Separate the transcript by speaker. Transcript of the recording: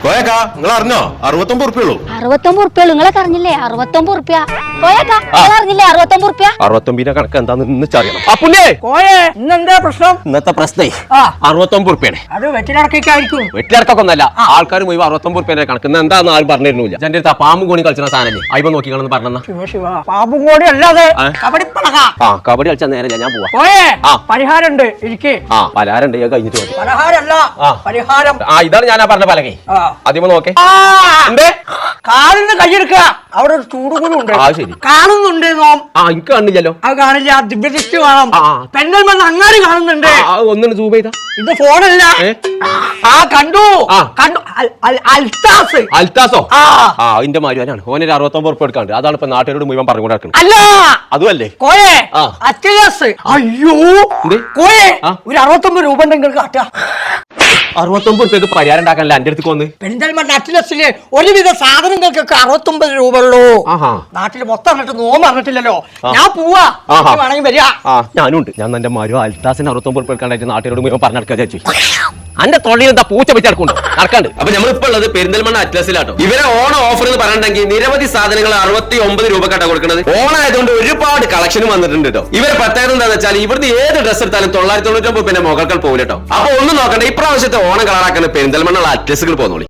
Speaker 1: പോയേക്കാ നിങ്ങൾ അറിഞ്ഞോ 69 ഉറുപ്പിയുള്ളൂ.
Speaker 2: 69 ഉറുപ്പിയുള്ളൂ. നിങ്ങളെ അറിഞ്ഞില്ലേ? 69 ഉറുപ്പ്യ. പോയേക്കാ നിങ്ങൾ അറിഞ്ഞില്ലേ? 69 ഉറുപ്പ്യ.
Speaker 1: 69 കണക്ക് എന്താന്ന് ഇന്നറിയണം. അപ്പുണ്ണേ
Speaker 3: കോയെ ഇന്നെന്താ പ്രശ്നം?
Speaker 1: ഇന്നത്തെ പ്രശ്നേ 69 ഉറുപ്പിയാണ്.
Speaker 3: അത് വെറ്റിലടക്കായിരിക്കും.
Speaker 1: വെട്ടിയിറക്കൊന്നല്ല, ആൾക്കാർ മുഴുവൻ 69 ഉറുപ്പിന്റെ കണക്ക്. ഇന്ന് എന്താന്ന് ആരും പറഞ്ഞിരുന്നില്ല. എന്റെ അടുത്ത് പാമ്പും കൂടി കളിച്ച സാധനല്ലേ അയ്യോ നോക്കിക്കാണെന്ന് പറഞ്ഞ.
Speaker 3: ശിവ ശിവ പാമ്പും കൂടി അല്ലാതെ കബഡിപ്പണക.
Speaker 1: ആ കബഡി കളിച്ചാൽ നേരെ ഞാൻ പോവാ.
Speaker 3: കോയെ പരിഹാരമുണ്ട് ഇരിക്കേ.
Speaker 1: ആ പലഹാരണ്ട് കഴിഞ്ഞിട്ട് മതി.
Speaker 3: പലഹാരല്ല പരിഹാരം.
Speaker 1: ഇതാണ് ഞാൻ പറഞ്ഞ പലകെ. ആദ്യമേ നോക്കേ
Speaker 3: കാലിന് കൈയെടുക്ക. അവിടെ ഒരു ചൂടുകൂടും ഉണ്ട്.
Speaker 1: ശരി
Speaker 3: കാണുന്നുണ്ട് നോം.
Speaker 1: എനിക്ക് കണ്ടില്ലല്ലോ.
Speaker 3: അത് കാണില്ല. ദിവ്യദൃഷ്ടി കാണാം. പെണ്ണൽ അങ്ങാടി കാണുന്നുണ്ട്.
Speaker 1: ഒന്നിന് സൂം ചെയ്താ
Speaker 3: ഇത് ഫോണല്ല. കണ്ടു കണ്ടു. അൽത്താസ്.
Speaker 1: അൽത്താസോ? അതിന്റെ മാരുവാനാണ്. ഓനൊരു 69 ഉറുപ്പ് എടുക്കാണ്ട്. അതാണ് ഇപ്പൊ നാട്ടുകാരോട് മുഴുവൻ പറഞ്ഞു നടക്കുന്നത്.
Speaker 3: അല്ല
Speaker 1: അതുമല്ലേ
Speaker 3: കോയെ അച്ചയാസ്. അയ്യോ കോയെ ഒരു 69 രൂപ ഉണ്ടെങ്കിൽ കാട്ടുക.
Speaker 1: 69 ഉറുപ്പ്യക്ക് പരിഹാരം ഉണ്ടാക്കാനല്ല എന്റെ അടുത്ത് വന്ന്.
Speaker 3: പെരിന്തൽമണ്ണ അറ്റ്ലസിലെ ഒരുവിധ സാധനങ്ങൾക്കൊക്കെ 69 രൂപ ഉള്ളൂ. നാട്ടിൽ മൊത്തം എന്നിട്ട് നോമ്പ് അറിഞ്ഞിട്ടില്ലല്ലോ. ഞാൻ പോവാ, വേണമെങ്കിൽ വരിക.
Speaker 1: ഞാനും ഉണ്ട്. ഞാൻ എന്റെ മാരു അൽത്താസിന് 69 ഉറുപ്പ്യ എടുക്കാണ്ടായിട്ട് നാട്ടുകാരോട് മുഴുവൻ പറഞ്ഞു നടക്കാൻ ചേച്ചി. എന്റെ തൊള്ളിയിൽ എന്താ പൂച്ച വെച്ച് നടക്കുന്നുണ്ട് നടക്കാണ്ട്. അപ്പൊ നമ്മളിപ്പോ ഉള്ളത് പെരിന്തൽമണ്ണ അറ്റ്ലസിലാട്ടോ. ഇവരെ ഓണ ഓഫർ എന്ന് പറഞ്ഞിട്ടുണ്ടെങ്കിൽ നിരവധി സാധനങ്ങൾ 69 രൂപക്കാട്ടാ കൊടുക്കുന്നത്. ഓണായതുകൊണ്ട് ഒരുപാട് കളക്ഷനും വന്നിട്ടുണ്ട് കേട്ടോ. ഇവരെ പ്രത്യേകത എന്താണെന്ന് വെച്ചാൽ ഇവിടുന്ന് ഏത് ഡ്രസ് എടുത്താലും 999 പിന്നെ മുകൾക്കൾ പോകില്ല കേട്ടോ. അപ്പൊ ഒന്നും നോക്കണ്ട, ഇപ്രാവശ്യത്തെ ഓണം കളറാക്കുന്ന പെരിന്തൽമണ്ണ അറ്റ്ലസുകൾ പോകുന്നോളി.